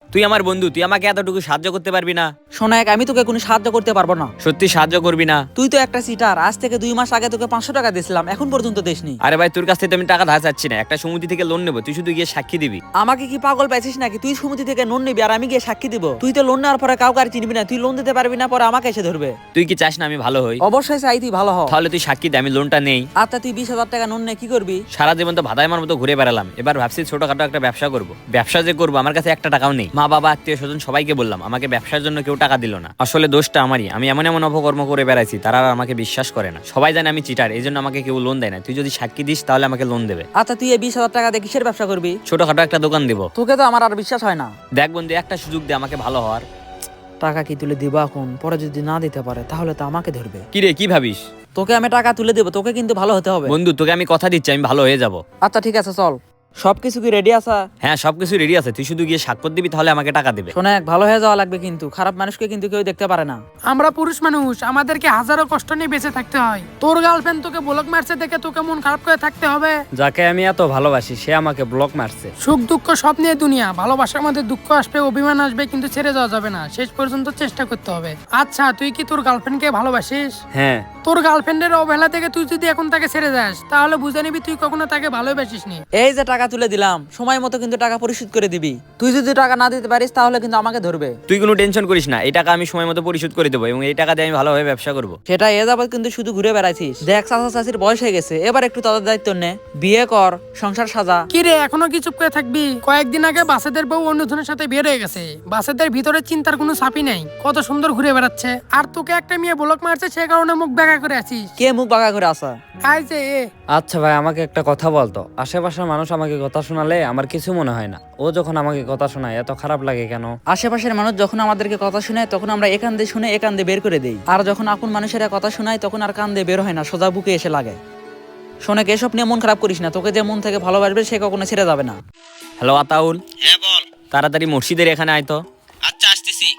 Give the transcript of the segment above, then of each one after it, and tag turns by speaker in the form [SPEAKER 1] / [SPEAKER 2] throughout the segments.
[SPEAKER 1] তুই আমার বন্ধু, তুই আমাকে এতটুকু সাহায্য করতে পারবি না?
[SPEAKER 2] শোনাক, আমি তোকে কোনো সাহায্য করতে পারবো না।
[SPEAKER 1] সত্যি সাহায্য করবি না?
[SPEAKER 2] তুই তো একটা সিটার। আজ থেকে 2 মাস আগে তোকে 500 টাকা দিয়েছিলাম, এখন পর্যন্ত দেসনি।
[SPEAKER 1] আরে ভাই, তোর কাছ থেকে তো আমি টাকা ধার চাচ্ছি না, একটা সমিতি থেকে লোন নেবো, তুই শুধু গিয়ে সাক্ষী দিবি।
[SPEAKER 2] আমাকে কি পাগল পাইছিস নাকি? তুই সমিতি থেকে লোন নিবি আর আমি গিয়ে সাক্ষী দিব? তুই তো লোন নেওয়ার পরে কাউকে আর চিনবি না, তুই লোন দিতে পারবি না, পরে আমাকে এসে ধরবে।
[SPEAKER 1] তুই কি চাস না আমি ভালো হই?
[SPEAKER 2] অবশ্যই চাই তুই ভালো হ।
[SPEAKER 1] তাহলে তুই সাক্ষী দে, আমি লোনটা নেই।
[SPEAKER 2] আচ্ছা, তুই 20,000 টাকা লোন নে কি করবি?
[SPEAKER 1] সারা জীবন তো ভাদাইমার মতো ঘুরে বেড়ালাম, এবার ভাবছি ছোটখাটো একটা ব্যবসা করব। ব্যবসা যে করবো, আমার কাছে একটা টাকাও নেই। মা বাবা আত্মীয় স্বজন সবাইকে বললাম, আমাকে ব্যবসার জন্য কেউ টাকা দিল না। আসলে দোষটা আমারই, আমি এমন এমন অপকর্ম করে বেড়াইছি, তারা আর আমাকে বিশ্বাস করে না। সবাই জানে আমি চিটার, এই জন্য আমাকে কেউ লোন দেয় না। তুই যদি সাক্ষী দিস তাহলে আমাকে লোন দেবে।
[SPEAKER 2] আচ্ছা, তুই এই 20,000 টাকা দিয়ে কিসের ব্যবসা করবি?
[SPEAKER 1] ছোটখাটো একটা দোকান দিব।
[SPEAKER 2] তোকে তো আমার আর বিশ্বাস হয় না।
[SPEAKER 1] দেখ বন্ধু, একটা সুযোগ দে আমাকে ভালো হওয়ার।
[SPEAKER 2] টাকা কি তুলে দিবা এখন? পরে যদি না দিতে পারে তাহলে তো আমাকে ধরবে।
[SPEAKER 1] কি রে, কি ভাবিস?
[SPEAKER 2] তোকে আমি টাকা তুলে দেবো, তোকে কিন্তু ভালো হতে হবে।
[SPEAKER 1] বন্ধু, তোকে আমি কথা দিচ্ছি আমি ভালো হয়ে যাব।
[SPEAKER 2] আচ্ছা ঠিক আছে, চল। সবকিছু কি রেডি আছে?
[SPEAKER 1] হ্যাঁ, সবকিছু রেডি আছে, তুই শুধু গিয়ে স্বাক্ষর দিবি, তাহলে আমাকে টাকা দেবে।
[SPEAKER 2] শোনাক, ভালো হয়ে যাওয়া লাগবে কিন্তু। খারাপ মানুষকে কিন্তু কেউ দেখতে পারে না।
[SPEAKER 3] আমরা পুরুষ মানুষ, আমাদেরকে হাজারো কষ্ট নিয়ে বেঁচে থাকতে হয়। তোর গার্লফ্রেন্ড তোকে ব্লক মারছে দেখে তোকে মন খারাপ করে থাকতে হবে?
[SPEAKER 1] যাকে আমি এত ভালোবাসি সে আমাকে ব্লক মারছে।
[SPEAKER 3] সুখ দুঃখ সব নিয়ে দুনিয়া। ভালোবাসার মধ্যে দুঃখ আসবে, অভিমান আসবে, কিন্তু ছেড়ে যাওয়া যাবে না। শেষ পর্যন্ত চেষ্টা করতে হবে। আচ্ছা, তুই কি তোর গার্লফ্রেন্ডকে ভালোবাসিস?
[SPEAKER 1] হ্যাঁ।
[SPEAKER 3] তোর গার্লফ্রেন্ডের অবহেলা থেকে তুই যদি এখন তাকে ছেড়ে যাস, তাহলে বুঝে নিবি তুই কখনো তাকে ভালোবাসিস নি।
[SPEAKER 2] এই যে টাকা তুলে দিলাম, সময় মতো কিন্তু টাকা পরিশোধ করে দিবি। তুই যদি টাকা না দিতে পারিস তাহলে কিন্তু আমাকে ধরবে।
[SPEAKER 1] তুই কোনো টেনশন করিস না, এই টাকা আমি সময় মতো পরিশোধ করে দেবো এবং এই টাকা দিয়ে আমি ভালোভাবে ব্যবসা করবো।
[SPEAKER 2] সেটা এ যাবত কিন্তু শুধু ঘুরে বেড়াইছিস। দেখ, চাচা চাচির বয়স হয়ে গেছে, এবার একটু তাদের দায়িত্ব নে। বিয়ে কর, সংসার সাজা।
[SPEAKER 3] কি রে, এখনো কি চুপ করে থাকবি? কয়েকদিন আগে বাসেদের বউ অন্যজনের সাথে বের হয়ে গেছে। বাসেদের ভিতরে চিন্তার কোনো ছাপই নাই, কত সুন্দর ঘুরে বেড়াচ্ছে। আর তোকে একটা মেয়ে ব্লক মারছে, সে কারণে মুখ বেঁকা করে আছিস।
[SPEAKER 2] কে মুখ বাঁকা করে আসা?
[SPEAKER 3] আই যে
[SPEAKER 4] আচ্ছা ভাই, আমাকে একটা কথা বলতো। আশেপাশের মানুষ আমাকে কথা শোনালে আমার কিছু মনে হয় না, ও যখন আমাকে কথা শোনায় এত খারাপ লাগে কেন?
[SPEAKER 2] আশেপাশের মানুষ যখন আমাদেরকে কথা শোনায় তখন আমরা এখান দিয়ে শুনে এখান দিয়ে বের করে দেই, আর যখন আপন মানুষেরা কথা শোনায় তখন আর কান দিয়ে বের হয় না, সোজা বুকে এসে লাগে। শোনে, এসব নিয়ে মন খারাপ করিস না। তোকে যে মন থেকে ভালোবাসবে সে কখনো ছেড়ে যাবে না।
[SPEAKER 1] হ্যালো আতাউল।
[SPEAKER 5] হ্যাঁ বল।
[SPEAKER 1] তাড়াতাড়ি মসজিদের এখানে আয় তো।
[SPEAKER 5] আচ্ছা, আসতেছি।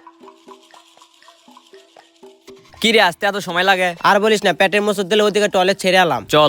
[SPEAKER 1] কি রে, আসতে এত সময় লাগে?
[SPEAKER 5] আর বলিস না, পেটের মোচড় দিলে ওইদিকে টয়লেট ছেড়ে এলাম।
[SPEAKER 1] চল।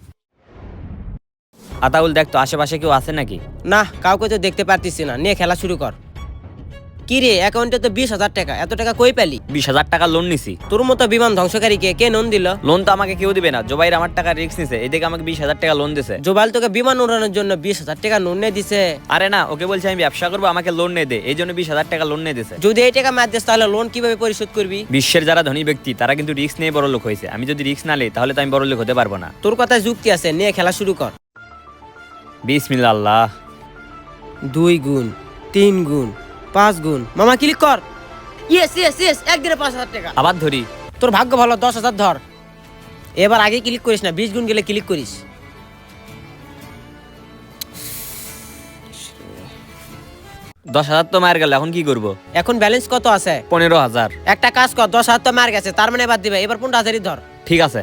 [SPEAKER 1] আতাউল, দেখ তো আশেপাশে কেউ আছে নাকি?
[SPEAKER 5] না, কাউকে তো দেখতে পারতিস না। নিয়ে খেলা শুরু কর। কি রে, অ্যাকাউন্টে তো 20,000 টাকা। এত টাকা কই পেলি?
[SPEAKER 1] 20,000 টাকা লোন নিছি।
[SPEAKER 5] তোর মতো বিমান ধ্বংসকারীকে কে লোন দিল?
[SPEAKER 1] লোন তো আমাকে কেউ দিবে না, জোবাইর আমার টাকা রিস্ক নিছে, এদিকে আমাকে 20,000 টাকা লোন দিছে।
[SPEAKER 5] জোবাইল তোকে বিমান উড়ানোর জন্য 20,000 টাকা লোন নিয়ে দিছে?
[SPEAKER 1] আরে না, ওকে বলছি আমি ব্যবসা করবো, আমাকে লোন নিয়ে দে, এই জন্য 20,000 টাকা লোন নিয়ে দিছে।
[SPEAKER 5] যদি এই টাকা মার দিস তাহলে লোন কিভাবে পরিশোধ করবি?
[SPEAKER 1] বিশ্বের যারা ধনী ব্যক্তি তারা কিন্তু রিস্ক নিয়ে বড় লোক হয়েছে, আমি যদি রিস্ক না নেই তাহলে তো আমি বড় লোক হতে পারবো না।
[SPEAKER 5] তোর কথায় যুক্তি আছে, নিয়ে খেলা শুরু কর।
[SPEAKER 1] বিসমিল্লাহ আল্লাহ।
[SPEAKER 5] 2 গুণ, 3 গুণ, 5 গুণ। মামা ক্লিক কর। ইয়েস ইয়েস ইয়েস, একদিনে 5,000 টাকা।
[SPEAKER 1] আবার ধরি।
[SPEAKER 5] তোর ভাগ্য ভালো, 10,000 ধর। এবার আগে ক্লিক করিস না, 20 গুণ গেলে ক্লিক করিস।
[SPEAKER 1] 10,000 তো মার গেল, এখন কি করবো?
[SPEAKER 5] এখন ব্যালেন্স কত আছে?
[SPEAKER 1] 15,000।
[SPEAKER 5] একটা কাজ কর, 10,000 তো মার গেছে, তার মানে এবার দিবে। এবার 15,000ই ধর।
[SPEAKER 1] ঠিক আছে।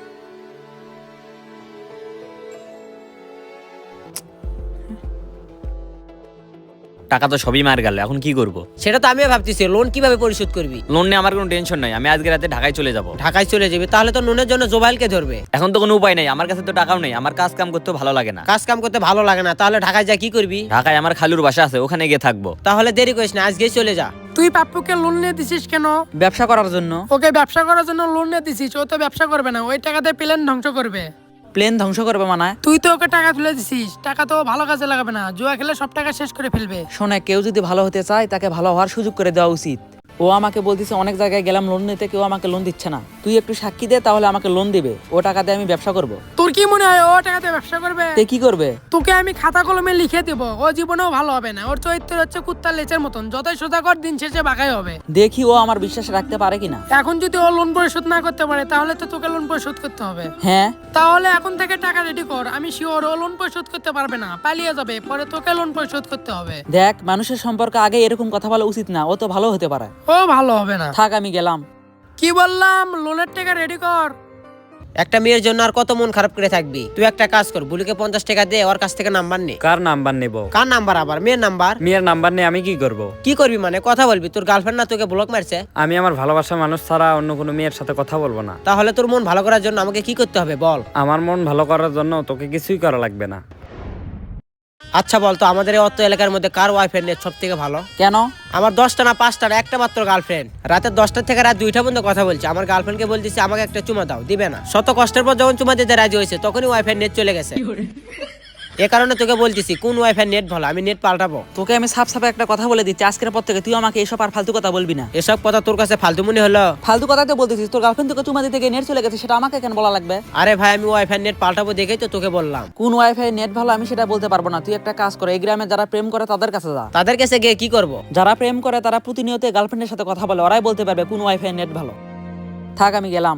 [SPEAKER 1] টাকা তো সবই মার গেল, এখন কি করবো?
[SPEAKER 5] সেটা তো আমিও ভাবতেছি, লোন কিভাবে পরিশোধ করবি?
[SPEAKER 1] লোন নিয়ে আমার কোনো টেনশন নাই, আমি আজকে রাতে ঢাকায় চলে যাব।
[SPEAKER 5] ঢাকায় চলে যাবি? তাহলে তো লোনের জন্য জোবাইলকে ধরবে।
[SPEAKER 1] এখন তো কোনো উপায় নেই, আমার কাছে তো টাকাও নেই, আমার কাজ কাম করতে ভালো লাগে না।
[SPEAKER 5] কাজ কাম করতে ভালো লাগে না? তাহলে ঢাকায় যা কি করবি?
[SPEAKER 1] ঢাকায় আমার খালুর বাসা আছে, ওখানে গিয়ে থাকবো।
[SPEAKER 5] তাহলে দেরি করিস না, আজকেই চলে যা।
[SPEAKER 3] তুই পাপ্পুকে লোন নিয়ে দিছিস কেন?
[SPEAKER 2] ব্যবসা করার জন্য।
[SPEAKER 3] ওকে ব্যবসা করার জন্য লোন নিয়ে দিছিস, ও তো ব্যবসা করবে না, ওই টাকাতে প্লেন ধ্বংস করবে।
[SPEAKER 2] প্লেন ধ্বংস করবে মানে?
[SPEAKER 3] তুই তো ওকে টাকা তুলে দিছিস, টাকা তো ভালো কাজে লাগাবে না, জুয়া খেলে সব টাকা শেষ করে ফেলবে।
[SPEAKER 2] শোনে, কেউ যদি ভালো হতে চায় তাকে ভালো হওয়ার সুযোগ করে দেওয়া উচিত। ও আমাকে বলতেছে অনেক জায়গায় গেলাম লোন নিতে, কেউ আমাকে লোন দিচ্ছে না। তুই একটু সাক্ষী দে, তাহলে আমাকে লোন দিবে। ও টাকা দিয়ে আমি ব্যবসা করব।
[SPEAKER 3] তোর কি মনে হয় ও টাকাতে ব্যবসা করবে?
[SPEAKER 2] তে কি করবে?
[SPEAKER 3] তোকে আমি খাতা কলমে লিখে দেবো, ও জীবনেও ভালো হবে না। ওর চরিত্র হচ্ছে কুত্তার লেচের মতন, যতই সোজা কর দিন শেষে বাঁকাই হবে।
[SPEAKER 2] দেখি ও আমার বিশ্বাস রাখতে পারে কিনা।
[SPEAKER 3] এখন যদি ও লোন পরিশোধ না করতে পারে তাহলে তো তোকে লোন পরিশোধ করতে হবে।
[SPEAKER 2] হ্যাঁ,
[SPEAKER 3] তাহলে এখন থেকে টাকা রেডি কর, আমি শিওর ও লোন পরিশোধ করতে পারবে না, পালিয়ে যাবে, পরে তোকে লোন পরিশোধ করতে হবে।
[SPEAKER 2] দেখ, মানুষের সম্পর্কে আগে এরকম কথা বলা উচিত না, ও তো ভালো হতে পারে।
[SPEAKER 3] ও ভালো হবে না।
[SPEAKER 2] থাক, আমি গেলাম।
[SPEAKER 3] কি বললাম, লোনের টাকা রেডি কর।
[SPEAKER 5] একটা মেয়ের জন্য আর কত মন খারাপ করে থাকবি? তুই একটা কাজ কর, বুলিকে 50 টাকা দে, ওর কাছ থেকে নাম্বার নে।
[SPEAKER 4] কার নাম্বার নেব?
[SPEAKER 5] কার নাম্বার? আবার মেয়ের নাম্বার?
[SPEAKER 4] মেয়ের নাম্বার নিয়ে আমি কি করব?
[SPEAKER 5] কি করবি মানে? কথা বলবি? তোর গার্লফ্রেন্ড না তোকে ব্লক মারছে?
[SPEAKER 4] আমি আমার ভালোবাসার মানুষ ছাড়া অন্য কোনো মেয়ের সাথে কথা বলবো না।
[SPEAKER 5] তাহলে তোর মন ভালো করার জন্য আমাকে কি করতে হবে বল?
[SPEAKER 4] আমার মন ভালো করার জন্য তোকে কিছুই করা লাগবে না।
[SPEAKER 5] আচ্ছা বলতো আমাদের এই অত এলাকার মধ্যে কার ওয়াইফাই নেট সব থেকে ভালো?
[SPEAKER 2] কেন?
[SPEAKER 5] আমার 10টা না 5টা না একটা মাত্র গার্লফ্রেন্ড। রাতে 10টা থেকে রাত 2টা পর্যন্ত কথা বলছে। আমার গার্লফ্রেন্ডকে বলতেছি আমাকে একটা চুমা দাও, দিবে না। শত কষ্টের পর যখন চুমা দিতে রাজি হয়েছে তখনই ওয়াইফাই নেট চলে গেছে। এ কারণে তোকে বলতেছি কোন ওয়াইফাই নেট ভালো, আমি নেট পাল্টাবো।
[SPEAKER 2] তোকে আমি সাফ সাফে একটা কথা বলে দিচ্ছি, আজকের পর থেকে তুই আমাকে এসব আর ফালতু কথা বলবি না।
[SPEAKER 5] এসব কথা তোর কাছে ফালতু মনে হলো?
[SPEAKER 2] ফালতু কথা তো বলতেছিস, তোর গার্লফ্রেন্ড তোকে চুমা দিতে গিয়ে নেট চলে গেছে, সেটা আমাকে কেন বলা লাগবে?
[SPEAKER 5] আরে ভাই আমি ওয়াইফাই নেট পাল্টাবো দেখেই তো তোকে বললাম।
[SPEAKER 2] কোন ওয়াইফাই নেট ভালো আমি সেটা বলতে পারবো না। তুই একটা কাজ করে এই গ্রামে যারা প্রেম করে তাদের কাছে যা।
[SPEAKER 5] তাদের কাছে গিয়ে কি করব?
[SPEAKER 2] যারা প্রেম করে তারা প্রতিনিয়ত গার্লফ্রেন্ডের সাথে কথা বলে, ওরাই বলতে পারবে কোন ওয়াইফাই নেট ভালো। থাক আমি গেলাম।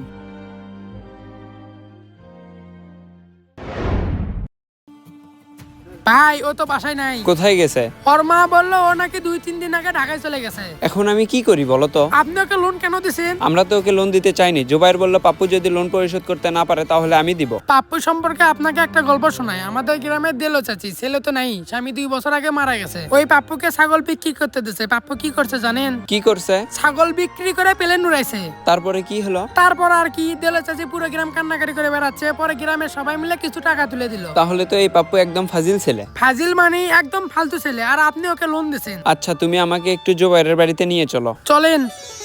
[SPEAKER 3] ভাই ও তো বাসায় নাই।
[SPEAKER 6] কোথায় গেছে?
[SPEAKER 3] ওর মা বললো ও নাকি 2-3 দিন আগে ঢাকায় চলে গেছে।
[SPEAKER 6] এখন আমি কি করি বলো তো?
[SPEAKER 3] আপনি ওকে লোন কেন দিছেন?
[SPEAKER 6] আমরা তো ওকে লোন দিতে চাইনি। জুবাইর বলল পাপ্পু যদি লোন পরিশোধ করতে না পারে তাহলে আমি দিব।
[SPEAKER 3] পাপ্পু সম্পর্কে আপনাকে একটা গল্প শোনায়। আমাদের গ্রামের দেলো চাচি, ছেলে তো নাই, স্বামী 2 বছর আগে মারা গেছে। ওই পাপ্পুকে ছাগল বিক্রি করতে দিছে। পাপ্পু কি করছে জানেন?
[SPEAKER 6] কি করছে?
[SPEAKER 3] ছাগল বিক্রি করে প্লেন উড়াইছে।
[SPEAKER 6] তারপরে কি হলো?
[SPEAKER 3] তারপর আর কি, দেলো চাচি পুরো গ্রাম কান্নাকাটি করে বেড়াচ্ছে। পরে গ্রামের সবাই মিলে কিছু টাকা তুলে দিল।
[SPEAKER 6] তাহলে তো এই পাপ্পু একদম ফাজিল ছেলে।
[SPEAKER 3] ফাজিল মানে একদম ফালতু ছেলে, আর আপনি ওকে লোন দিছেন।
[SPEAKER 6] আচ্ছা তুমি আমাকে একটু জুবাইরের বাড়িতে নিয়ে চলো।
[SPEAKER 3] চলেন।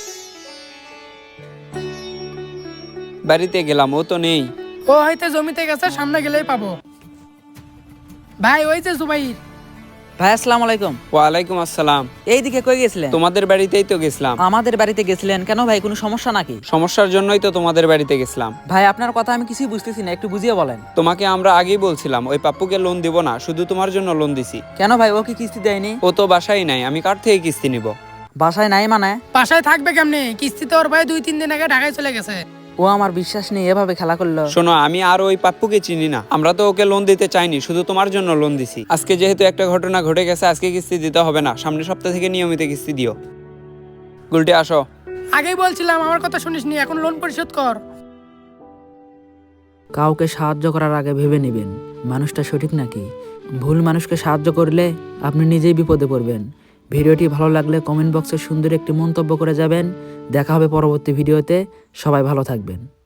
[SPEAKER 6] বাড়িতে গেলাম, ও তো নেই।
[SPEAKER 3] ও হয়তো জমিতে গেছে, সামনে গেলেই পাবো। ভাই ওই যে জুবাইর।
[SPEAKER 2] ভাই আসসালামু আলাইকুম।
[SPEAKER 6] ওয়ালাইকুম আসসালাম।
[SPEAKER 2] এইদিকে কই গেছিলেন?
[SPEAKER 6] তোমাদের বাড়িতেই তো গেছিলাম।
[SPEAKER 2] আমাদের বাড়িতে গেছিলেন কেন ভাই? কোনো সমস্যা নাকি?
[SPEAKER 6] সমস্যার জন্যই তো তোমাদের বাড়িতে গেছিলাম।
[SPEAKER 2] ভাই আপনার কথা আমি কিছুই বুঝতেছি না, একটু বুঝিয়ে বলেন।
[SPEAKER 6] তোমাকে আমরা আগেই বলছিলাম ওই পাপ্পুকে লোন দিব না, শুধু তোমার জন্য লোন দিছি।
[SPEAKER 2] কেন ভাই, ও কি কিস্তি দেয়নি?
[SPEAKER 6] ও তো বাসায় নাই, আমি কার থেকে কিস্তি নিব?
[SPEAKER 2] বাসায় নাই মানে?
[SPEAKER 3] বাসায় থাকবে কেমনে? কিস্তিতে ওর ভাই 2-3 দিন আগে ঢাকায় চলে গেছে।
[SPEAKER 2] ও আমার বিশ্বাস নিয়ে এভাবে খেলা করলো।
[SPEAKER 6] শোনো, আমি আর ওই পাপ্পুকে চিনি না। আমরা তো ওকে লোন দিতে চাইনি, শুধু তোমার জন্য লোন দিছি। আজকে যেহেতু একটা ঘটনা ঘটে গেছে, আজকে কিস্তি দিতে হবে না, সামনের সপ্তাহ থেকে নিয়মিত কিস্তি দিও। গুলটি আসো।
[SPEAKER 3] আগেই বলছিলাম, আমার কথা শুনিসনি, এখন লোন পরিশোধ কর।
[SPEAKER 2] কাউকে সাহায্য করার আগে ভেবে নেবেন মানুষটা সঠিক নাকি। ভুল মানুষকে সাহায্য করলে আপনি নিজেই বিপদে পড়বেন। ভিডিওটি ভালো লাগলে কমেন্ট বক্সে সুন্দর একটি মন্তব্য করে যাবেন। দেখা হবে পরবর্তী ভিডিওতে। সবাই ভালো থাকবেন।